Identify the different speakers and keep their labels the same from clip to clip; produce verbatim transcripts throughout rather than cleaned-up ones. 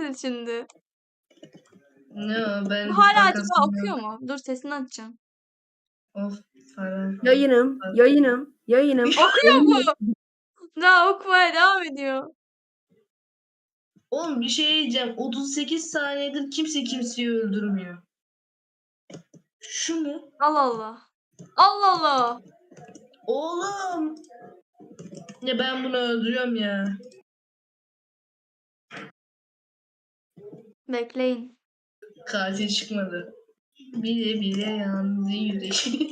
Speaker 1: misin şimdi?
Speaker 2: Ne o, ben
Speaker 1: Bu hala acaba
Speaker 2: bankasından-
Speaker 1: okuyor mu? Dur sesini açacağım.
Speaker 2: Of falan.
Speaker 3: Yayınım, yayınım, yayınım.
Speaker 1: Okuyor mu? Daha okumaya devam ediyor.
Speaker 2: Oğlum bir şey diyeceğim. otuz sekiz saniyedir kimse kimseyi öldürmüyor. Şu mu?
Speaker 1: Allah Allah. Allah Allah.
Speaker 2: Oğlum. Ya ben bunu öldürüyorum ya.
Speaker 1: Bekleyin.
Speaker 2: Katil çıkmadı. Bile bile yandı yüreği.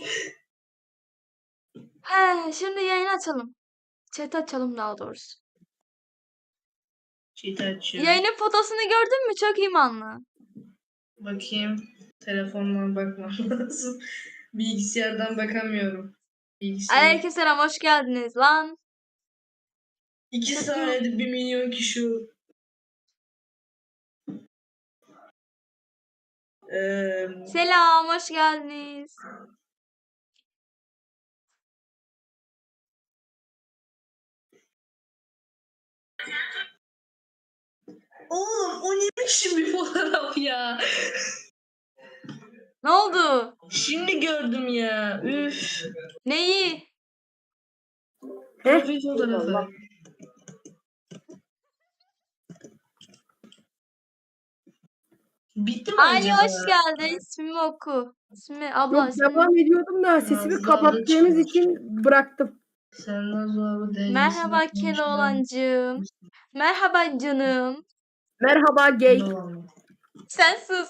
Speaker 1: He, şimdi yayın açalım. Chat açalım daha doğrusu.
Speaker 2: Cheat açıyorum.
Speaker 1: Yayının fotosunu gördün mü? Çok imanlı.
Speaker 2: Bakayım. Telefondan bakmam lazım. Bilgisayardan bakamıyorum. Bilgisayar.
Speaker 1: Aleykümselam, hoş geldiniz lan.
Speaker 2: İki saniyede bir milyon kişi. Ee,
Speaker 1: Selam, hoş geldiniz.
Speaker 2: Oğlum o ne biçim bir fotoğraf ya?
Speaker 1: Ne oldu?
Speaker 2: Şimdi gördüm ya. Üf.
Speaker 1: Neyi?
Speaker 2: Profil fotoğrafı. Bitti mi
Speaker 1: Ali
Speaker 2: acaba?
Speaker 1: hoş geldin. İsmimi oku. İsmi abla.
Speaker 3: Yok
Speaker 1: ismini-
Speaker 3: devam ediyordum da sesimi
Speaker 2: Nazlı
Speaker 3: kapattığınız
Speaker 2: abla
Speaker 3: için bıraktım.
Speaker 2: Sen nasıl abi dengesin?
Speaker 1: Merhaba Keloğlancığım. Merhaba canım.
Speaker 3: Merhaba gay.
Speaker 1: Sen sus.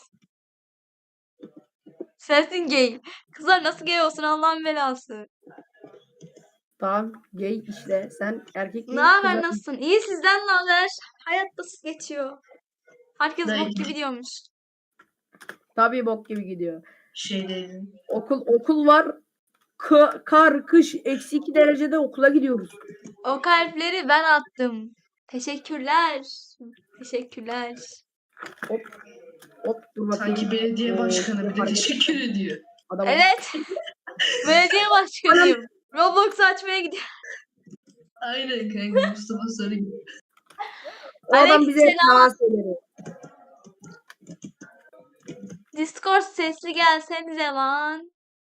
Speaker 1: Sensin gay. Kızlar nasıl gay olsun Allah'ın belası.
Speaker 3: Tamam gay işte. Sen erkek
Speaker 1: Ne
Speaker 3: değil.
Speaker 1: haber,
Speaker 3: kızlar-
Speaker 1: nasılsın? İyi, sizden ne haber? Hayat nasıl geçiyor? Herkes
Speaker 2: Dayı.
Speaker 1: bok gibi diyormuş.
Speaker 3: Tabii bok gibi gidiyor.
Speaker 2: Şeydeydin.
Speaker 3: Okul okul var. K- kar, kış, eksi iki derecede okula gidiyoruz.
Speaker 1: O kalpleri ben attım. Teşekkürler. Teşekkürler.
Speaker 3: Hop dur bakayım.
Speaker 2: Sanki belediye
Speaker 3: Ee,
Speaker 2: başkanı bir de
Speaker 3: hareket-
Speaker 2: teşekkür ediyor.
Speaker 3: Adam
Speaker 1: Evet. Belediye başkanıyım. Roblox açmaya gidiyorum.
Speaker 2: Aynen kanka Mustafa Sarı gibi.
Speaker 3: O adam bize
Speaker 1: Aleykümselam.
Speaker 3: yalan söyledi.
Speaker 1: Discord sesli gelsenize lan.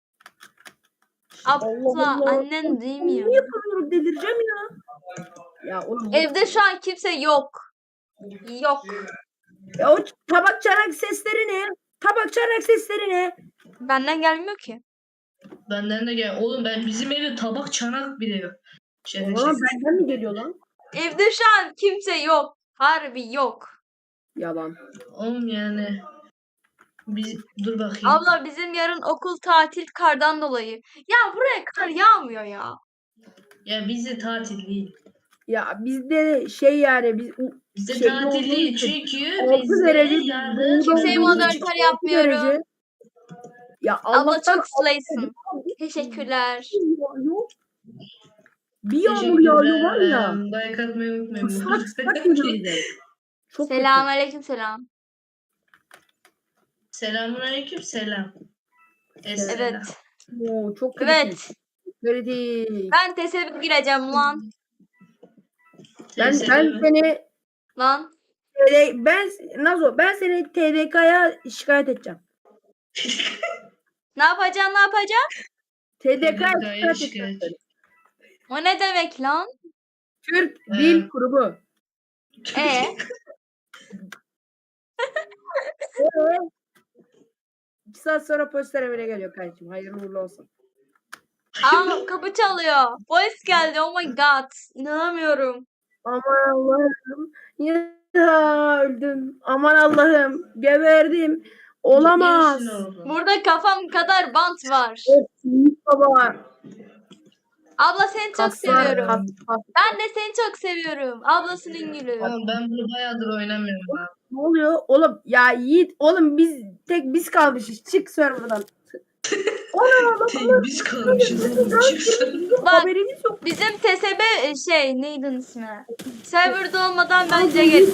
Speaker 1: Abla
Speaker 3: Allah Allah.
Speaker 1: annen duymuyor.
Speaker 3: Ne yapıyorum delireceğim ya. Ya oğlum.
Speaker 1: Evde şu an kimse yok. Yok.
Speaker 3: Ya o tabak çanak sesleri ne? Tabak çanak sesleri ne?
Speaker 1: Benden gelmiyor ki.
Speaker 2: Benden de gel. Oğlum ben bizim evde tabak çanak bile yok. Şaka
Speaker 3: Oğlum
Speaker 2: şaka.
Speaker 3: benden mi geliyor lan?
Speaker 1: Evde şu an kimse yok. Harbi yok.
Speaker 3: Yalan.
Speaker 2: Oğlum yani. Biz, dur bakayım.
Speaker 1: Abla bizim yarın okul tatil kardan dolayı. Ya buraya kar yağmıyor ya.
Speaker 2: Ya bizde tatil değil.
Speaker 3: Ya bizde şey yani biz
Speaker 2: Bizde
Speaker 3: Şey
Speaker 2: tatil
Speaker 3: olduğu
Speaker 2: değil
Speaker 3: için
Speaker 2: çünkü
Speaker 3: altı
Speaker 2: bizde
Speaker 3: derece
Speaker 2: yarın
Speaker 3: doğuda
Speaker 1: Kimseyi
Speaker 3: olduğu
Speaker 1: moderatör
Speaker 3: için altı
Speaker 1: yapmıyorum.
Speaker 3: derece. Ya
Speaker 1: Abla
Speaker 3: Allah'tan
Speaker 1: çok slayısın. Teşekkürler.
Speaker 3: yağıyor. Bir yağmur yağıyor var ya.
Speaker 2: Like atmayı unutmayın. bu
Speaker 3: Islak
Speaker 2: arada.
Speaker 3: ıslak geliyor bize. Çok
Speaker 1: Selam aleyküm selam.
Speaker 2: Selamünaleyküm selam. Esselam.
Speaker 1: Evet.
Speaker 3: kötü. Oo, çok kritik.
Speaker 1: Evet.
Speaker 3: Kritik.
Speaker 1: Ben tesadüf gireceğim lan.
Speaker 3: Ben,
Speaker 2: Teyze
Speaker 3: ben
Speaker 2: mi?
Speaker 3: seni
Speaker 1: Lan.
Speaker 3: T D ben Nazo ben seni T D K'ya şikayet edeceğim.
Speaker 1: Ne yapacağım ne yapacağım?
Speaker 3: T D K'ya
Speaker 2: T D K'ya
Speaker 3: şikayet
Speaker 2: şikayet.
Speaker 3: edeceğim.
Speaker 1: O ne demek lan?
Speaker 3: Türk
Speaker 2: Ee,
Speaker 3: Dil Kurumu.
Speaker 1: E
Speaker 3: Ee, İki saat sonra polis evine geliyor kardeşim. Hayırlı uğurlu olsun.
Speaker 1: Aa, kapı çalıyor. Polis geldi. Oh my god. İnanamıyorum.
Speaker 3: Aman Allah'ım. Ya öldüm. Aman Allah'ım. Geberdim. Olamaz.
Speaker 2: Yemişsin oğlum.
Speaker 1: Burada kafam kadar bant var.
Speaker 3: Of, büyük baba.
Speaker 1: Abla seni çok
Speaker 3: Kaslar,
Speaker 1: seviyorum.
Speaker 3: kas, kas.
Speaker 1: Ben de seni çok seviyorum. Ablasının gülü.
Speaker 2: Oğlum ben bunu bayağıdır oynamıyorum abi.
Speaker 3: Ne oluyor? Oğlum ya Yiğit. Oğlum biz tek biz kalmışız. Çık serverdan.
Speaker 2: Tek biz kalmışız oğlum. Çıksın.
Speaker 1: Bak
Speaker 3: Haberimiz yok.
Speaker 1: bizim T S B e, şey neydi onun ismi? Serverda olmadan bence gel.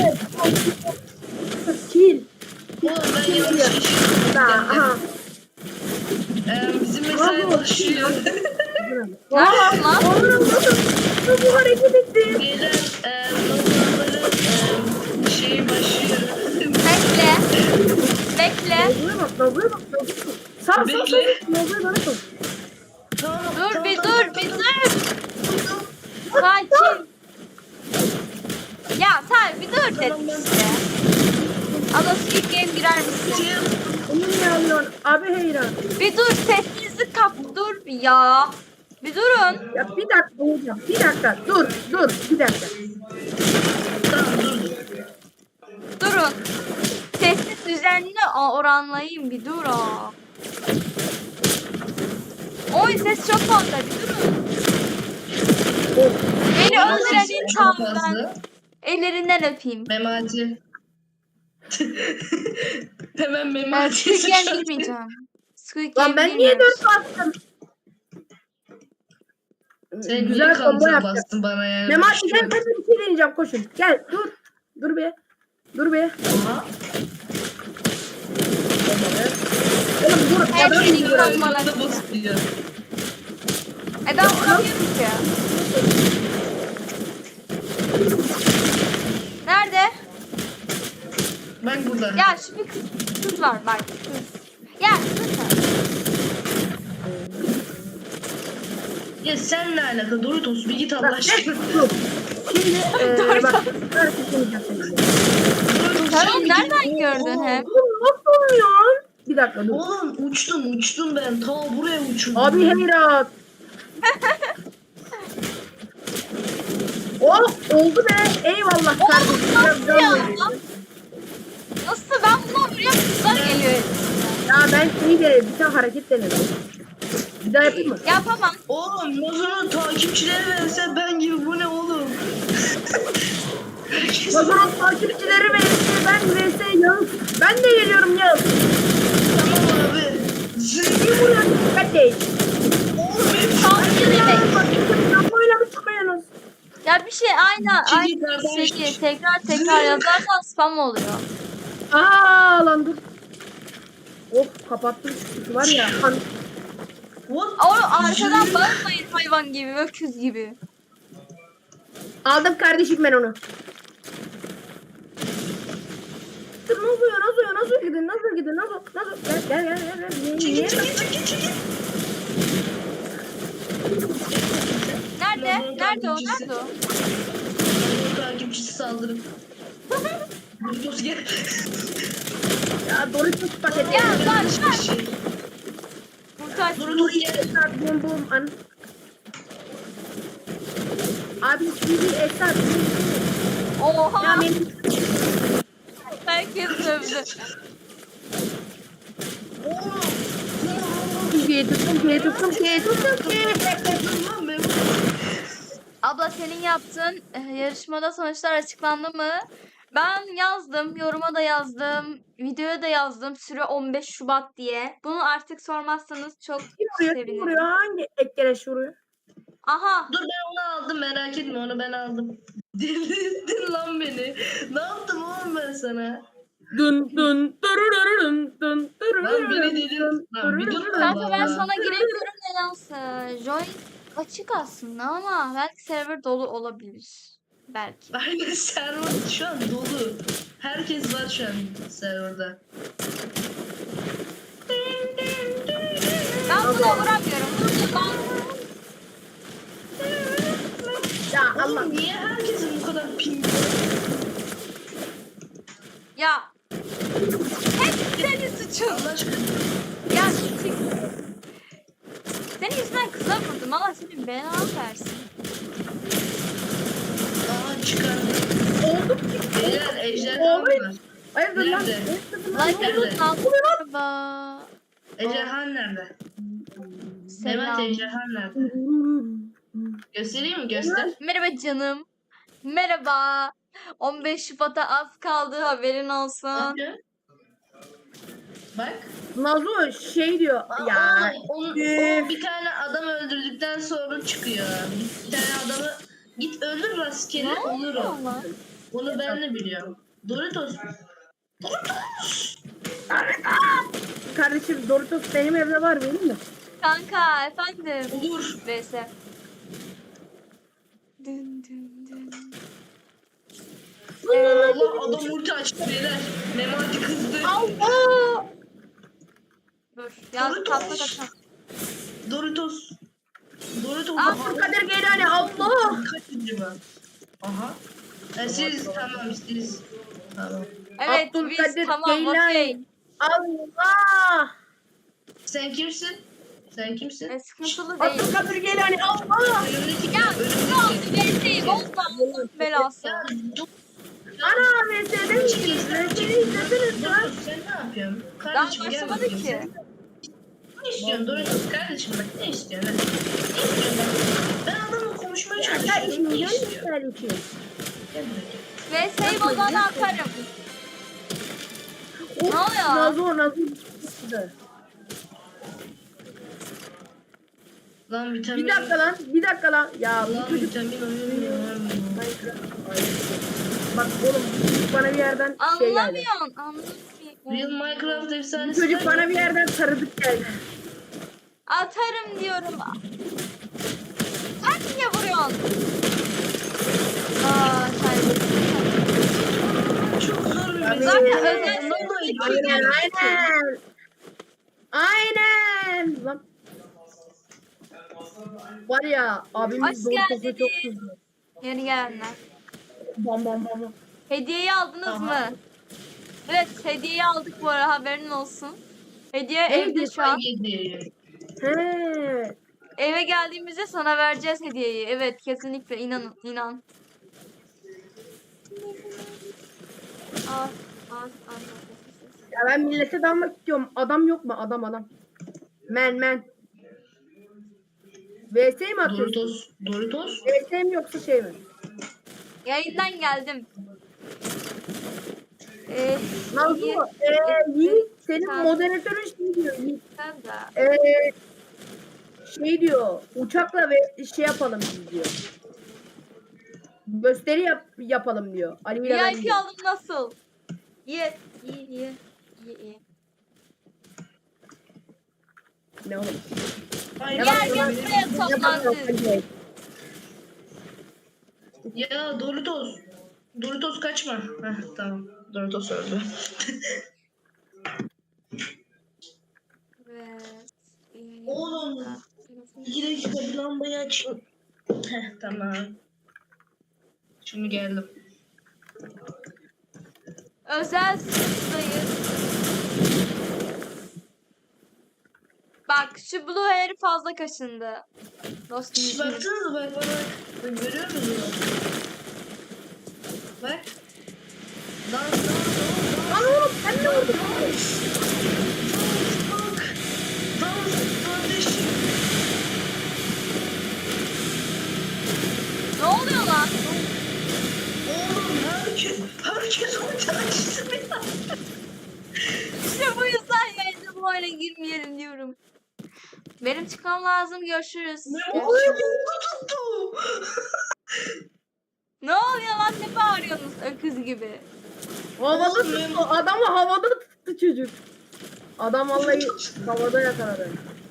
Speaker 3: Kill.
Speaker 2: Oğlum ben yanlış geçiyorum.
Speaker 3: Aha.
Speaker 2: Ee, bizim mesai başlıyor.
Speaker 1: Ne yaptın lan?
Speaker 3: Oğlum nasıl bu hareket etti?
Speaker 2: Beyler e, noktaları e, şey başlıyor.
Speaker 1: Bekle. Bekle.
Speaker 3: Nazlı'ya bak, Nazlı'ya bak, Nazlı'ya bak. Sağ sağ sağ.
Speaker 2: Bekle.
Speaker 3: Nazlı'ya bana koy.
Speaker 2: Tamam,
Speaker 1: Dur
Speaker 2: tamam,
Speaker 1: bir
Speaker 2: tamam,
Speaker 1: dur
Speaker 2: tamam,
Speaker 1: bir
Speaker 2: tamam.
Speaker 1: dur. Sakin. Ya sen bir dur dedim işte. Abla Squid Game girer misin?
Speaker 2: Şey,
Speaker 3: Onu niye alıyorsun? Abi Heyran.
Speaker 1: Bir dur sessizlik kap dur bir ya. Bir durun.
Speaker 3: Ya bir dakika hocam. Bir dakika. Dur. Dur. Bir dakika.
Speaker 2: tamam dur.
Speaker 1: Durun. Sessiz düzenli Aa, oranlayayım bir dur aa. Oy ses çok fazla bir durun.
Speaker 3: Oh.
Speaker 1: Beni
Speaker 2: Oğlum,
Speaker 1: öldüren
Speaker 2: sesi çok
Speaker 1: insandan
Speaker 2: fazla.
Speaker 1: ellerinden öpeyim.
Speaker 2: Memati. Hemen
Speaker 1: Ben
Speaker 2: Memati.
Speaker 1: Squid Game girmeyeceğim. Squid Game
Speaker 3: Lan ben niye
Speaker 1: girmiyoruz.
Speaker 3: dört bastım?
Speaker 2: Sen niye
Speaker 3: Güzel combo
Speaker 2: counter
Speaker 3: yaptım.
Speaker 2: bastın bana yani?
Speaker 3: Memati gel ben de bir şey deneyeceğim koşun. Gel dur. Dur be. Dur be.
Speaker 2: Aha.
Speaker 3: Oğlum dur.
Speaker 1: Her
Speaker 3: Adam
Speaker 1: şeyi
Speaker 3: gibi.
Speaker 1: gören- Bana
Speaker 2: Bana
Speaker 1: diyor.
Speaker 2: basıyor.
Speaker 1: E ben vuramıyorum ki. Nerede?
Speaker 2: Bak burada.
Speaker 1: Ya şu bir kız, kız var bak kız. Ya kız var.
Speaker 2: Ya sen ne alaka? Doritos bir git Allah
Speaker 3: Bak,
Speaker 2: aşkına.
Speaker 3: dur. Şimdi
Speaker 1: Dur,
Speaker 3: eee bak.
Speaker 1: dur.
Speaker 3: Ben seçemeyeceğim seni.
Speaker 2: Doritos
Speaker 1: Sen
Speaker 2: sen
Speaker 1: onu
Speaker 2: bir
Speaker 1: nereden
Speaker 2: git.
Speaker 1: gördün
Speaker 2: Oo,
Speaker 1: hep?
Speaker 3: Oğlum nasıl olmuyor? Bir dakika dur.
Speaker 2: Oğlum uçtum uçtum ben. Ta buraya uçurdum.
Speaker 3: Abi Heyrat. Oh oldu be. Eyvallah kardeşim. Biraz can
Speaker 1: Ya.
Speaker 3: verin.
Speaker 1: Nasıl ben buna vuruyorum kızlar geliyor.
Speaker 3: Ya ben seni de bir tane hareket denedim. Bir daha yapayım mı?
Speaker 1: Yapamam.
Speaker 2: Oğlum Nazo'nun takipçileri verse ben gibi bu ne oğlum? Herkes
Speaker 3: Mazurun takipçileri ve ben vs Yağız. Ben de geliyorum Yağız.
Speaker 2: tamam abi.
Speaker 3: Bir vuruyorum kardeş.
Speaker 2: Oğlum hep
Speaker 1: Takip demek.
Speaker 3: Bak böyle bir çıkıyorsunuz.
Speaker 1: Ya bir şey aynı
Speaker 2: Çiğ
Speaker 1: aynı
Speaker 2: kardeş.
Speaker 1: şeyi tekrar tekrar yazarsan spam oluyor.
Speaker 3: Aa lan dur. Oh kapattım şu var ya. Hani
Speaker 2: What?
Speaker 1: O arkadan bağırmayın hayvan gibi, öküz gibi.
Speaker 3: aldım kardeşim ben onu. Dur ne oluyor nasıl oluyor nasıl gidin nasıl gidin nasıl nasıl gel gel gel gel gel. Niye,
Speaker 2: Çekil
Speaker 3: niye?
Speaker 2: çekil çekil çekil.
Speaker 1: Nerede?
Speaker 2: Nazar'ın
Speaker 1: Nerede o?
Speaker 2: takipçisi.
Speaker 1: Nerede o?
Speaker 2: Nazar'ın takipçisi saldırın. Doritos gel.
Speaker 3: Ya Doritos paketi.
Speaker 1: Ya lan
Speaker 2: Bir
Speaker 1: lan.
Speaker 2: şey.
Speaker 1: Kurtar.
Speaker 2: Doritos gel.
Speaker 3: Bum bum an. Abi şimdi esas. Ya
Speaker 1: Oha.
Speaker 3: benim
Speaker 1: Herkes dövdü.
Speaker 2: Oğlum.
Speaker 3: Türkiye'yi tuttum, Türkiye'yi tuttum, Türkiye'yi tuttum, Türkiye'yi.
Speaker 2: Lan ben
Speaker 1: Abla senin yaptığın e, yarışmada sonuçlar açıklandı mı? Ben yazdım, yoruma da yazdım, videoya da yazdım. Süre on beş Şubat diye. Bunu artık sormazsanız çok
Speaker 3: Kim vuruyor, kim
Speaker 1: sevinirim.
Speaker 3: vuruyor? Hangi ekleş vuruyor?
Speaker 1: Aha.
Speaker 2: Dur ben onu aldım merak etme onu ben aldım. Delirdin lan beni. Ne yaptım oğlum ben sana?
Speaker 3: Dın dın dırırırın dın
Speaker 2: Lan beni delirdin. Lan bir dur
Speaker 1: Kanka ben
Speaker 2: Allah.
Speaker 1: sana giremiyorum nedense. Join açık aslında ama belki server dolu olabilir. Belki.
Speaker 2: Aynen server şu an dolu. Herkes var şu an serverda.
Speaker 1: Ben buna vuramıyorum. Vurdu lan.
Speaker 3: Ya Allah.
Speaker 2: Oğlum niye herkesin bu kadar ping?
Speaker 1: Ya. Hep senin suçun.
Speaker 2: Allah aşkına.
Speaker 1: Ya çık. Senin yüzünden kıza vurdum. Allah senin belanı versin.
Speaker 2: Aa çıkardı.
Speaker 3: Oldu ki.
Speaker 2: Beyler ejderha
Speaker 3: Oğlum.
Speaker 2: var.
Speaker 3: Hayırdır lan?
Speaker 2: Nerede?
Speaker 1: Like
Speaker 2: Nerede?
Speaker 1: atın altı. Merhaba.
Speaker 2: Ejderha nerede? Mehmet
Speaker 1: Selam.
Speaker 2: ejderha nerede? Göstereyim mi? Göster.
Speaker 1: Merhaba canım. Merhaba. on beş Şubat'a az kaldı haberin olsun.
Speaker 2: Bakın. Bak.
Speaker 3: Nazo şey diyor.
Speaker 2: Aa,
Speaker 3: Ya.
Speaker 2: oğlum, onu,
Speaker 3: üf.
Speaker 2: o bir tane adam öldürdükten sonra çıkıyor. Bir tane adamı git öldür rastgele olur o.
Speaker 1: Allah.
Speaker 2: Onu ben de biliyorum. Doritos.
Speaker 3: Kardeşim Doritos benim evde var benim mi?
Speaker 1: Kanka efendim.
Speaker 2: Olur.
Speaker 1: V S. Dın dın dın.
Speaker 2: Allah adam ulti açtı beyler. Memati kızdı.
Speaker 3: Allah!
Speaker 1: Dur. Yaz
Speaker 2: Doritos.
Speaker 1: tatlı kaçan.
Speaker 2: Doritos. Doritos.
Speaker 1: Aa,
Speaker 3: Abdülkadir Geylani Allah!
Speaker 2: Kaçıncı mı? Aha. E, siz tamam siz. Tamam.
Speaker 1: Evet
Speaker 3: Abdülkadir
Speaker 1: biz tamam
Speaker 3: Geylani.
Speaker 1: okey.
Speaker 3: Allah!
Speaker 2: Sen kimsin? Sen kimsin?
Speaker 1: E, sıkıntılı değil.
Speaker 3: Abdülkadir Geylani Allah!
Speaker 2: Önümdeki
Speaker 1: Ya
Speaker 2: önümdeki-
Speaker 1: şu an verseyi bozma Allah'ın belası.
Speaker 2: Ya dur.
Speaker 3: Ana V S'de misiniz? V S'yi izlediniz lan.
Speaker 2: Doritos sen ne yapıyorsun?
Speaker 1: Daha
Speaker 2: Kardeşim gel
Speaker 1: başlamadı
Speaker 2: bakayım.
Speaker 1: ki.
Speaker 2: Sen ne istiyorsun Doritos kardeşim bak ne istiyorsun? Hadi. Ne istiyorsun? Ben adamla konuşmaya
Speaker 3: Ya
Speaker 2: çalışıyorum.
Speaker 3: işin
Speaker 2: Ne
Speaker 3: milyon
Speaker 2: istiyor?
Speaker 3: ister için.
Speaker 2: Gel buraya.
Speaker 1: Verseyi bozana atarım.
Speaker 3: Of,
Speaker 1: Ne oluyor?
Speaker 3: Nazo Nazo çıktı.
Speaker 2: Lan vitamin.
Speaker 3: Bir dakika lan, bir dakika lan. Ya bu
Speaker 2: Lan
Speaker 3: çocuk
Speaker 2: vitamin oynuyor.
Speaker 3: Ay, bak oğlum bu çocuk bana bir yerden şey geldi.
Speaker 1: Anlamıyorsun. Anlamıyorsun.
Speaker 2: Real Minecraft
Speaker 3: Bu
Speaker 2: efsanesi.
Speaker 3: çocuk bana bir yerden tanıdık geldi.
Speaker 1: Atarım diyorum. Sen niye vuruyorsun? Aa, sen.
Speaker 2: Çok zor bir
Speaker 3: Abi,
Speaker 2: mesele.
Speaker 1: Zaten özel
Speaker 2: Ondan da
Speaker 3: Aynen aynen. Aynen. Lan. Var ya abimiz
Speaker 1: Hoş
Speaker 3: Doritos'a
Speaker 1: geldiniz.
Speaker 3: çok kızdı.
Speaker 1: Yeni gelenler.
Speaker 3: Bam bam bam bam.
Speaker 1: Hediyeyi aldınız
Speaker 2: Aha.
Speaker 1: mı? Evet hediyeyi aldık bu ara haberin olsun. Hediye
Speaker 3: Ne
Speaker 1: evde
Speaker 3: hediyesi?
Speaker 1: şu an.
Speaker 2: Yedi.
Speaker 3: He.
Speaker 1: Eve geldiğimizde sana vereceğiz hediyeyi. Evet kesinlikle inanın inan. Al al al.
Speaker 3: Ya ben millete dalmak istiyorum. Adam yok mu? Adam adam. Men men. V S mi atıyorsun?
Speaker 2: Doritos. Doritos.
Speaker 3: V S mi yoksa şey mi?
Speaker 1: Yayından geldim. Ee,
Speaker 3: Nazo,
Speaker 1: iyi.
Speaker 3: eee Yiğit senin
Speaker 1: Tamam.
Speaker 3: moderatörün şey diyor. Yiğit.
Speaker 1: Sen de.
Speaker 3: Eee şey diyor. Uçakla ve şey yapalım biz diyor. Gösteri yap, yapalım diyor. Ali ile ben
Speaker 1: V I P
Speaker 3: diyor.
Speaker 1: aldım nasıl? İyi iyi iyi. İyi iyi.
Speaker 3: Ne oğlum?
Speaker 2: Hayır,
Speaker 3: Ne
Speaker 1: Gel
Speaker 2: hayır,
Speaker 1: gel
Speaker 2: hayır.
Speaker 1: buraya toplan siz.
Speaker 2: Ya Doritos. Doritos kaçma. Heh, tamam. Doritos öldü.
Speaker 1: Evet. iyi.
Speaker 2: Oğlum. İki dakika bir lambayı aç. Heh, tamam. Şimdi geldim.
Speaker 1: Özel sınıftayız. Bak şu Blue Hair fazla kaşındı. Dostum
Speaker 2: Şş,
Speaker 1: için.
Speaker 2: baksanıza bak bana. Bak, görüyor musunuz? Bak. Dans dans dans.
Speaker 3: Lan oğlum sen ne oldun?
Speaker 2: Bak. Dans kardeşim.
Speaker 1: Ne oluyor lan?
Speaker 2: Oğlum herkes, herkes ulti açtı ya.
Speaker 1: İşte bu yüzden yayında bu oyuna girmeyelim diyorum. Benim çıkmam lazım. Görüşürüz.
Speaker 2: Ne oluyor? Oldu tuttu.
Speaker 1: Ne oluyor lan? Ne bağırıyorsunuz öküz gibi?
Speaker 3: Havada
Speaker 2: Oğlum,
Speaker 3: tuttu. Adamı havada tuttu çocuk. Adam vallahi havada yakaladı.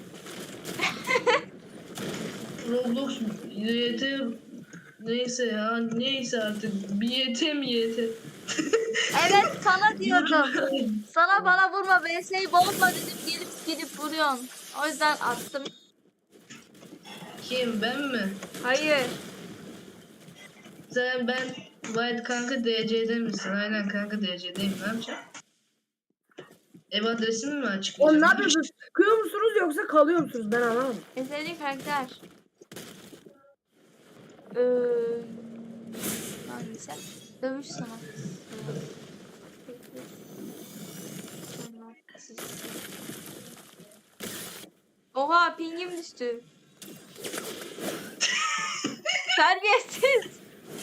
Speaker 2: Roblox Y T neyse ya neyse artık bir Y T mi Y T?
Speaker 1: Evet sana diyorum. Sana bana vurma. V S'yi bozma dedim. Gelip gelip vuruyorsun. O yüzden attım.
Speaker 2: Kim ben mi?
Speaker 1: Hayır.
Speaker 2: Sen ben White kanka D C'de misin? Aynen kanka D C'deyim ne yapacağım? Ev adresimi mi
Speaker 3: Oğlum ne
Speaker 2: açıklayacağım?
Speaker 3: yapıyorsunuz? Çıkıyor musunuz yoksa kalıyor musunuz? Ben anlamadım.
Speaker 1: En sevdiğin karakter. Ee, hangisi? Dövüş sanatçısı. Sanatçısı. Oha pingim düştü. Terbiyesiz.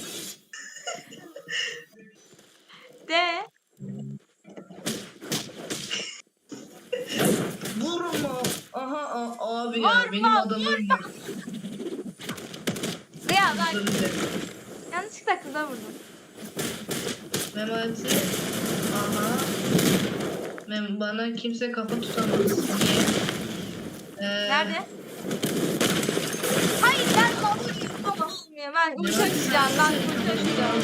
Speaker 1: De.
Speaker 2: Vurma. Aha a- abi ya
Speaker 1: Vurma,
Speaker 2: benim adamım yok.
Speaker 1: Ya ben
Speaker 2: Özür dilerim.
Speaker 1: yanlışlıkla kıza vurdum.
Speaker 2: Memati. Aha. Mem bana kimse kafa tutamaz. Niye? Ee,
Speaker 1: Nerede? Hayır ben baba yüzüme yapmıyor. Ben ulti açacağım. Ben ulti açacağım.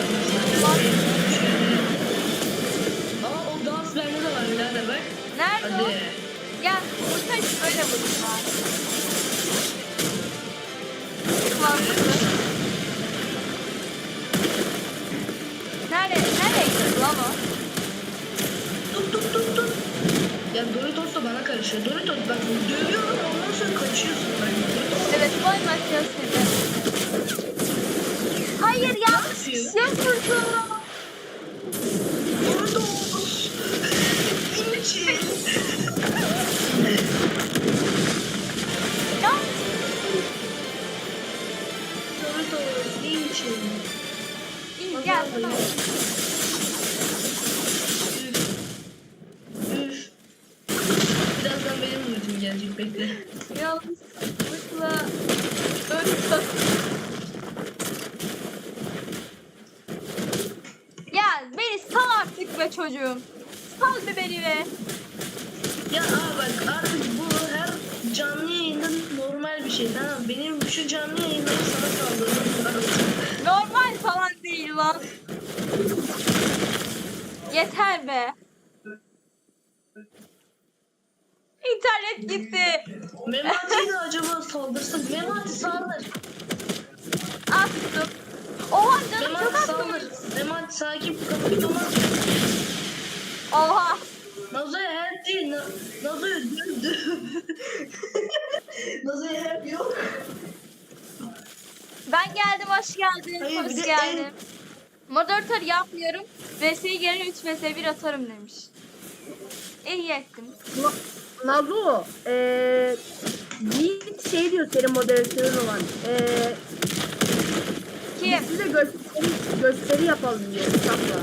Speaker 2: Aa o dans bende de var birader bak.
Speaker 1: Nerede o?
Speaker 2: Hadi.
Speaker 1: Gel ulti açıp öyle vurayım ben. Mantıklı. Nerede? Nereye gidiyor lan o?
Speaker 2: Tut tut tut tut. Ya Doritos da bana karışıyor. Doritos bak dövüyorum ondan sonra kaçıyorsun. Bak, Doritos.
Speaker 1: Evet boy makyaj dedi. Hayır yanlış bir şey vurdum.
Speaker 2: Doritos. İnci.
Speaker 1: Ya
Speaker 2: Doritos. İnci.
Speaker 1: iyi gel tamam.
Speaker 2: Üf. Birazdan benim ultim gelecek bekle.
Speaker 1: Yanlışlıkla öldüm. Ya beni sal artık be çocuğum. Sal be beni be.
Speaker 2: Ya aa bak artık bu her canlı yayında normal bir şey tamam. Benim şu canlı yayında sana saldırdım lazım.
Speaker 1: Normal falan değil lan. Yeter be. İnternet gitti.
Speaker 2: Memati'ye de acaba saldırsın. Memati saldır.
Speaker 1: Attım. Oha canım çok
Speaker 2: Memati
Speaker 1: attım.
Speaker 2: saldır. Memati sakin kapıyı kapat.
Speaker 1: Oha.
Speaker 2: Nazo'ya help değil. Na Nazo'ya dövdü. Nazo'ya help yok.
Speaker 1: Ben geldim hoş geldin.
Speaker 2: Hayır, bir
Speaker 1: hoş
Speaker 2: de
Speaker 1: geldin.
Speaker 2: en-
Speaker 1: Moderatör yapmıyorum. V S'yi gelin üç V S bir atarım demiş. İyi ettim.
Speaker 3: Na- Nazo, eee Yiğit şey diyor senin moderatörün olan. Eee
Speaker 1: Kim?
Speaker 3: size gösteri, gösteri yapalım diyor. Kitapla.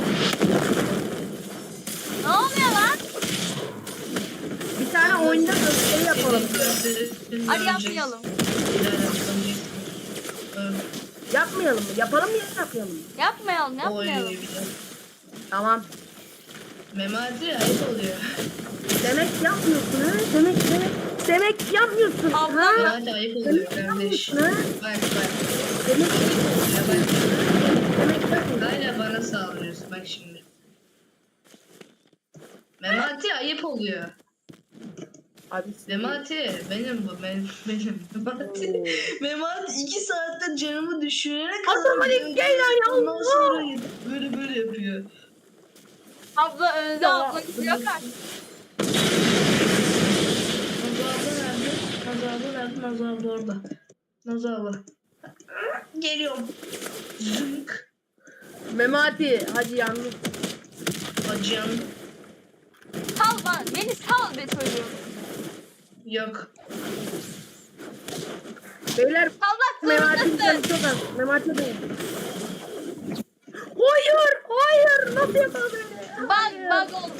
Speaker 1: Ne oluyor lan?
Speaker 3: Bir tane oyunda gösteri yapalım diyor.
Speaker 1: Hadi yapmayalım.
Speaker 3: Yapmayalım mı? Yapalım mı yapmayalım mı?
Speaker 1: Yapmayalım
Speaker 2: Oy,
Speaker 1: yapmayalım.
Speaker 3: Tamam.
Speaker 2: Memati ayıp oluyor.
Speaker 3: Demek yapmıyorsun ha? Demek demek demek yapmıyorsun ha?
Speaker 1: Abla,
Speaker 2: Memati ayıp oluyor kardeş.
Speaker 3: yapmıyorsun ha?
Speaker 2: Bak bak.
Speaker 3: Demek
Speaker 2: Ya bak.
Speaker 3: demek yapmıyorsun.
Speaker 2: Hala bana saldırıyorsun bak şimdi. Memati ayıp oluyor.
Speaker 3: Abi
Speaker 2: Memati benim bu benim benim Memati.
Speaker 3: Oo.
Speaker 2: Memati iki saatte canımı düşürene kadar.
Speaker 3: Otomatik
Speaker 2: böyle-
Speaker 3: gel lan ya,
Speaker 2: Ondan
Speaker 3: Allah!
Speaker 2: sonra böyle böyle yapıyor.
Speaker 1: abla öldü
Speaker 3: Ya.
Speaker 1: abla gidiyor artık.
Speaker 2: Nazo abla nerede? Nazo abla nerede? Nazo abla orada. Nazo abla. Geliyorum. Zınk.
Speaker 3: Memati hadi yalnız.
Speaker 2: Acıyan.
Speaker 1: Sal bana. Beni sal be çocuğum.
Speaker 2: Yok.
Speaker 3: Beyler
Speaker 1: Salmak
Speaker 3: Memati'nin canı
Speaker 1: zorundasın.
Speaker 3: çok az. Memati değil. Hayır, hayır. Nasıl yapalım beni?
Speaker 1: Bak bak oldu.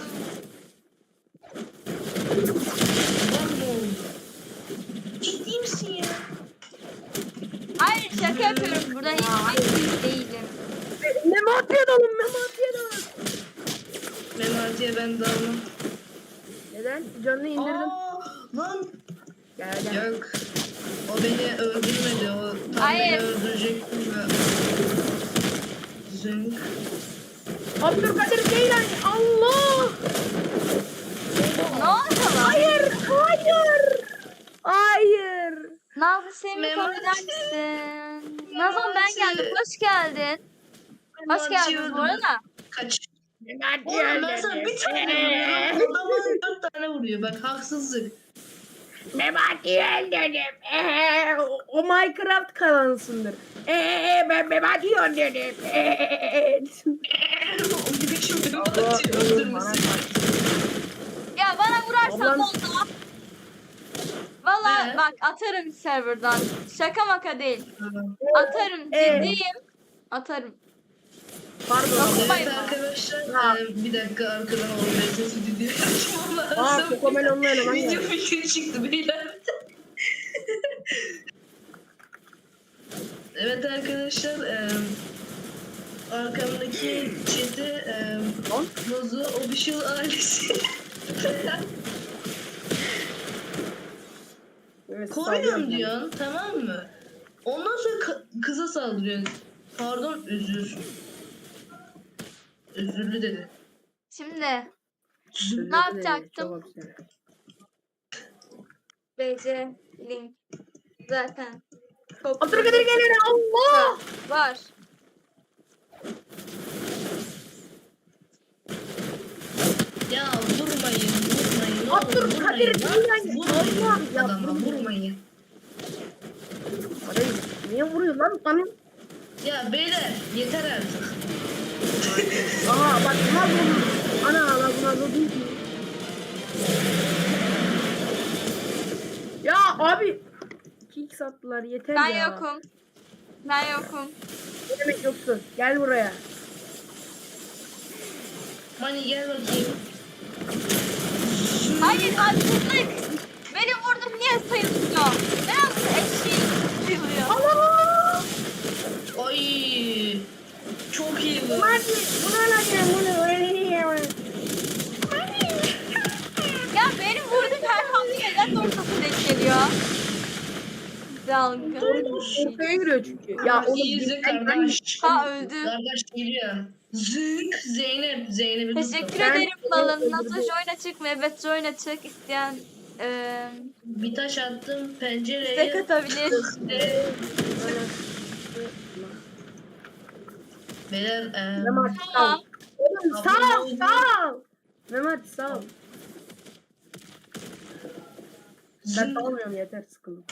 Speaker 2: Bak ne oldu? Ciddi misin ya?
Speaker 1: Hayır şaka yapıyorum. Burada hiç ciddi değilim.
Speaker 3: Memati'ye dalın, Memati'ye dalın.
Speaker 2: Memati'ye ben dalmam.
Speaker 3: Neden? Canını indirdim.
Speaker 2: Aa, lan.
Speaker 3: Gel gel.
Speaker 2: Yok. O beni öldürmedi. O tam
Speaker 1: Hayır.
Speaker 2: beni öldürecekti ve... Zınk.
Speaker 3: Abdülkadir Ceylan. Allah!
Speaker 1: Ne oldu lan?
Speaker 3: Hayır, hayır. Hayır.
Speaker 1: Nazlı Semih
Speaker 2: Memati.
Speaker 1: kabul eder misin? Nazan ben
Speaker 2: Memati.
Speaker 1: geldim. Hoş geldin. Hoş
Speaker 2: Memati'yi
Speaker 1: geldiniz bu
Speaker 2: öldürdü.
Speaker 1: arada.
Speaker 2: Kaç.
Speaker 3: Memati
Speaker 2: Oğlum ben sana bir tane vuruyorum. Adama dört tane vuruyor. Bak haksızlık.
Speaker 3: Memati'yi öldürdüm. Ee, o, o Minecraft kanalısındır. Ee, ben Memati'yi öldürdüm. Ee.
Speaker 2: O gibi şimdi
Speaker 3: Allah,
Speaker 2: Memati'yi
Speaker 3: bana
Speaker 2: öldürmesin.
Speaker 3: bak.
Speaker 1: Ya bana vurarsan
Speaker 3: Ablam-
Speaker 1: ne oldu? Valla
Speaker 2: Ee?
Speaker 1: bak atarım serverdan. Şaka maka değil.
Speaker 2: Tamam.
Speaker 1: Atarım
Speaker 3: Ee?
Speaker 1: ciddiyim. Atarım.
Speaker 3: Pardon.
Speaker 1: Nasıl?
Speaker 2: Evet
Speaker 1: Bayılma.
Speaker 2: arkadaşlar,
Speaker 3: Ha.
Speaker 2: e, bir dakika arkadan olmaya sesi video açmam
Speaker 3: Aa,
Speaker 2: lazım.
Speaker 3: Kokomelon'la eleman
Speaker 2: Video
Speaker 3: geldi.
Speaker 2: fikri çıktı beyler. Evet arkadaşlar, e, arkamdaki chat'i e,
Speaker 3: Lan.
Speaker 2: Nazo Official ailesi.
Speaker 3: Evet,
Speaker 2: Koyuyorum
Speaker 3: sallıyorum ben.
Speaker 2: diyorsun, tamam mı? Ondan sonra ka- kıza saldırıyor. Pardon özür. Özürlü dedi.
Speaker 1: Şimdi
Speaker 3: Özür
Speaker 1: ne yapacaktım?
Speaker 3: Çok güzel.
Speaker 1: B C link zaten çok
Speaker 3: Abdülkadir gelir Allah.
Speaker 1: var.
Speaker 2: Ya vurmayın, vurmayın. Ne olur
Speaker 3: Abdülkadir
Speaker 2: vurmayın lan.
Speaker 3: gelir
Speaker 2: Vurmayın
Speaker 3: Allah. Ya
Speaker 2: adama,
Speaker 3: vurmayın.
Speaker 2: vurmayın.
Speaker 3: Abi, niye vuruyor lan bana?
Speaker 2: Ya beyler yeter artık.
Speaker 3: Aha bak bunlar vurdu. Ana lan bunlar vurdu değil ki. Ya abi. Kick sattılar yeter
Speaker 1: Ben
Speaker 3: ya.
Speaker 1: yokum. Ben yokum.
Speaker 3: Ne demek yoksun? Gel buraya.
Speaker 2: Mani gel bakayım.
Speaker 1: Hayır haksızlık. Beni vurdum niye sayılmıyor? Neden bu eşeği sayılıyor?
Speaker 3: Allah!
Speaker 2: Ay. Çok iyi bu.
Speaker 3: Hadi buna lan ya bunu öyle
Speaker 1: Ya benim vurduğum her hamle neden ortası denk geliyor? Dalga.
Speaker 3: Ortaya giriyor çünkü. Ya
Speaker 2: Ya
Speaker 3: oğlum
Speaker 2: iyi izle
Speaker 3: bir- ben-
Speaker 2: kardeş.
Speaker 1: Ha öldü.
Speaker 2: Kardeş geliyor. Zınk Zeynep. Zeynep'i
Speaker 1: Teşekkür
Speaker 2: tuttum.
Speaker 3: Ben-
Speaker 1: ederim
Speaker 3: Ben-
Speaker 1: balın. Nasıl join açık mı? Evet join açık. İsteyen eee
Speaker 2: Bir taş attım pencereye.
Speaker 1: istek atabilir.
Speaker 2: Ee, Beyler eee,
Speaker 3: Mehmet sağ ol.
Speaker 1: Tamam.
Speaker 3: Oğlum sağ ol sağ ol. Mehmet sağ ol. Ben
Speaker 2: zınk.
Speaker 3: almıyorum yeter sıkıldım.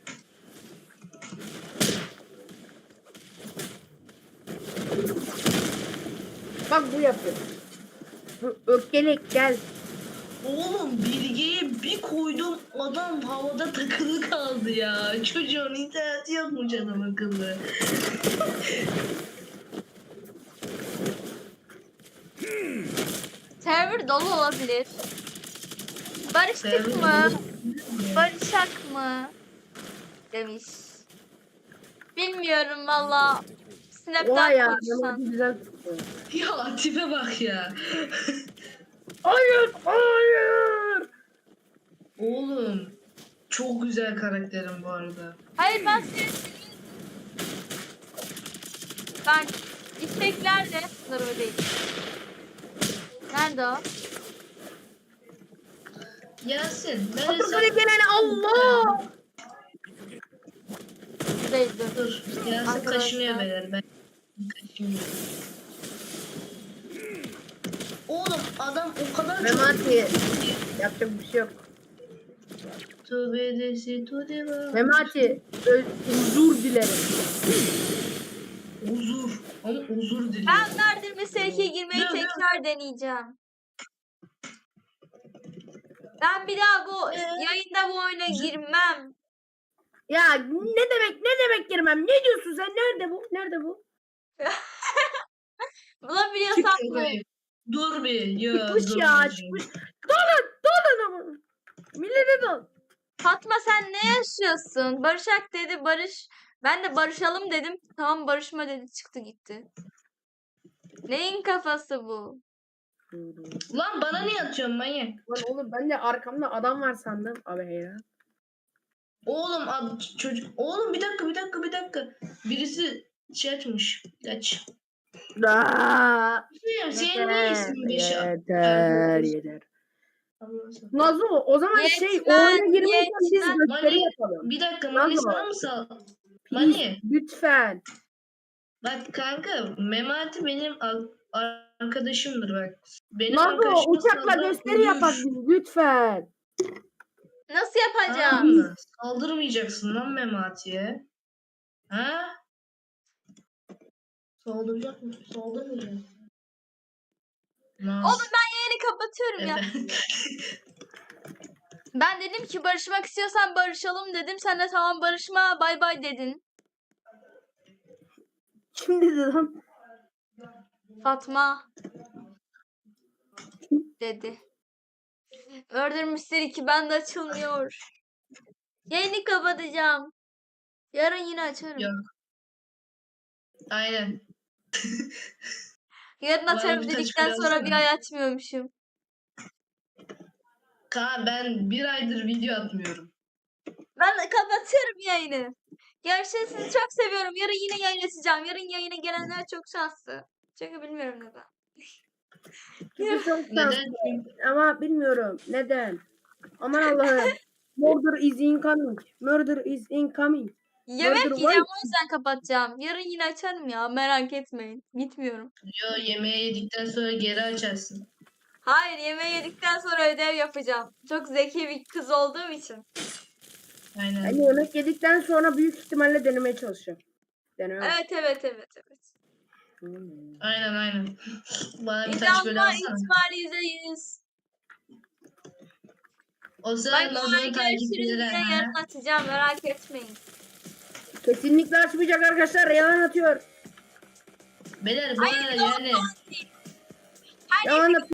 Speaker 3: Bak bu yapıyor. Bu öfkelek gel.
Speaker 2: Oğlum bilgiyi bir koydum adam havada takılı kaldı ya. Çocuğun interneti yokmuş adam akıllı.
Speaker 1: Server dolu olabilir. Barıştık
Speaker 2: Server
Speaker 1: mı?
Speaker 2: dolu.
Speaker 1: Barışak mı? Demiş. Bilmiyorum valla.
Speaker 3: Vay
Speaker 1: Snap'ten
Speaker 3: ya.
Speaker 1: konuşsan.
Speaker 3: Mehmet'i güzel tuttu.
Speaker 2: Ya tipe bak ya.
Speaker 3: Hayır hayır.
Speaker 2: Oğlum çok güzel karakterim bu arada.
Speaker 1: Hayır ben seni... Ben isteklerle... Bunlar öyle değil. Nerede o?
Speaker 2: Yasin ben
Speaker 3: Abdülkadir
Speaker 2: hesap...
Speaker 3: gelene Allah.
Speaker 1: Değil dur.
Speaker 2: Dur Yasin
Speaker 1: Arkadaşlar.
Speaker 2: kaşınıyor beyler ben kaşınıyorum. Oğlum adam o kadar çok...
Speaker 3: Memati. Yapacak bir şey yok.
Speaker 2: Tövbe desi tövbe.
Speaker 3: Memati. Ö- Huzur dilerim.
Speaker 2: Huzur. Ama huzur diliyor.
Speaker 1: Ben Nardir Mesele ikiye girmeyi
Speaker 2: Dur, dur.
Speaker 1: tekrar deneyeceğim. Ben bir daha bu
Speaker 2: Ee?
Speaker 1: yayında bu oyuna girmem.
Speaker 3: Ya ne demek ne demek girmem? Ne diyorsun sen? Nerede bu? Nerede bu?
Speaker 1: Bulabiliyorsam
Speaker 2: Çık
Speaker 1: bu.
Speaker 2: şuraya. Dur bir. Ya,
Speaker 3: Çıkmış
Speaker 2: dur
Speaker 3: ya
Speaker 2: bir.
Speaker 3: çıkmış. Dolun dolun ama. Millete dol.
Speaker 1: Fatma sen ne yaşıyorsun? Barışak dedi Barış. Ben de barışalım dedim. Tamam barışma dedi çıktı gitti. Neyin kafası bu?
Speaker 2: Lan bana niye atıyorsun manyak?
Speaker 3: Lan oğlum ben de arkamda adam var sandım. Abi heyran.
Speaker 2: Oğlum ad, çocuk. Oğlum bir dakika bir dakika bir dakika. Birisi şey açmış. Aç.
Speaker 3: Aa,
Speaker 2: Bilmiyorum senin niye ismin beş
Speaker 3: yeter yeter.
Speaker 2: Allah'ım.
Speaker 3: Nazo o zaman şey
Speaker 1: Yetmez,
Speaker 3: oyuna girmeyken biz
Speaker 1: yetmez.
Speaker 3: gösteri
Speaker 2: Mani,
Speaker 3: yapalım.
Speaker 2: bir dakika
Speaker 3: Nasıl
Speaker 2: Mani
Speaker 3: var?
Speaker 2: sana mı sal?
Speaker 3: Please,
Speaker 2: Mani
Speaker 3: lütfen.
Speaker 2: bak kanka Memati benim ar- arkadaşımdır bak. Benim
Speaker 3: Nazo
Speaker 2: arkadaşıma
Speaker 3: uçakla
Speaker 2: saldıran
Speaker 3: gösteri
Speaker 2: ölür.
Speaker 3: yapak biz lütfen.
Speaker 1: Nasıl
Speaker 2: Tamam
Speaker 1: yapacağım?
Speaker 2: mı? Saldırmayacaksın lan Memati'ye. Ha? Saldıracak mısın? Saldırmayacaksın.
Speaker 1: Oğlum ben yayını kapatıyorum ya.
Speaker 2: Evet.
Speaker 1: Ben dedim ki barışmak istiyorsan barışalım dedim. Sen de tamam barışma bay bay dedin.
Speaker 3: Kim dedi lan?
Speaker 1: Fatma dedi. Murder Mystery iki bende açılmıyor. Yayını kapatacağım. Yarın yine açarım.
Speaker 2: Yok. Aynen.
Speaker 1: Yarın
Speaker 2: Bana
Speaker 1: açarım
Speaker 2: bir taş
Speaker 1: dedikten
Speaker 2: bile
Speaker 1: sonra bir
Speaker 2: alsana.
Speaker 1: ay açmıyormuşum.
Speaker 2: Ka ben bir aydır video atmıyorum.
Speaker 1: Ben kapatıyorum yayını. Görüşürüz. Sizi çok seviyorum. Yarın yine yayın açacağım. Yarın yayına gelenler çok şanslı. Çünkü bilmiyorum neden.
Speaker 3: Çünkü çok
Speaker 2: Neden?
Speaker 3: şanslı. Ama bilmiyorum neden. Aman Allah'ım. Murder is incoming. Murder is incoming.
Speaker 1: Yemek
Speaker 3: Murder
Speaker 1: yiyeceğim
Speaker 3: var.
Speaker 1: o yüzden kapatacağım. Yarın yine açarım ya. Merak etmeyin. Gitmiyorum.
Speaker 2: Yo, yemeği yedikten sonra geri açarsın.
Speaker 1: Hayır, yemeği yedikten sonra ödev yapacağım. Çok zeki bir kız olduğum için.
Speaker 2: Aynen.
Speaker 3: Yani yemek yedikten sonra büyük ihtimalle denemeye çalışacağım. Deneme.
Speaker 1: Evet evet evet evet.
Speaker 3: Hmm.
Speaker 2: Aynen aynen. Bana bir taş
Speaker 1: İdam
Speaker 2: böyle
Speaker 1: var
Speaker 2: alsana.
Speaker 1: ihtimali yüzde yüz.
Speaker 2: O
Speaker 1: Bay
Speaker 2: zaman
Speaker 1: bay,
Speaker 2: Nazan'ın
Speaker 1: görüşürüz.
Speaker 2: takipçileri.
Speaker 1: Yine yarın açacağım. Merak etmeyin.
Speaker 3: Kesinlikle açmayacak arkadaşlar. Yalan atıyor.
Speaker 2: Beyler bu arada
Speaker 1: Hayır,
Speaker 2: yani
Speaker 1: Her
Speaker 3: Yalan atıyor.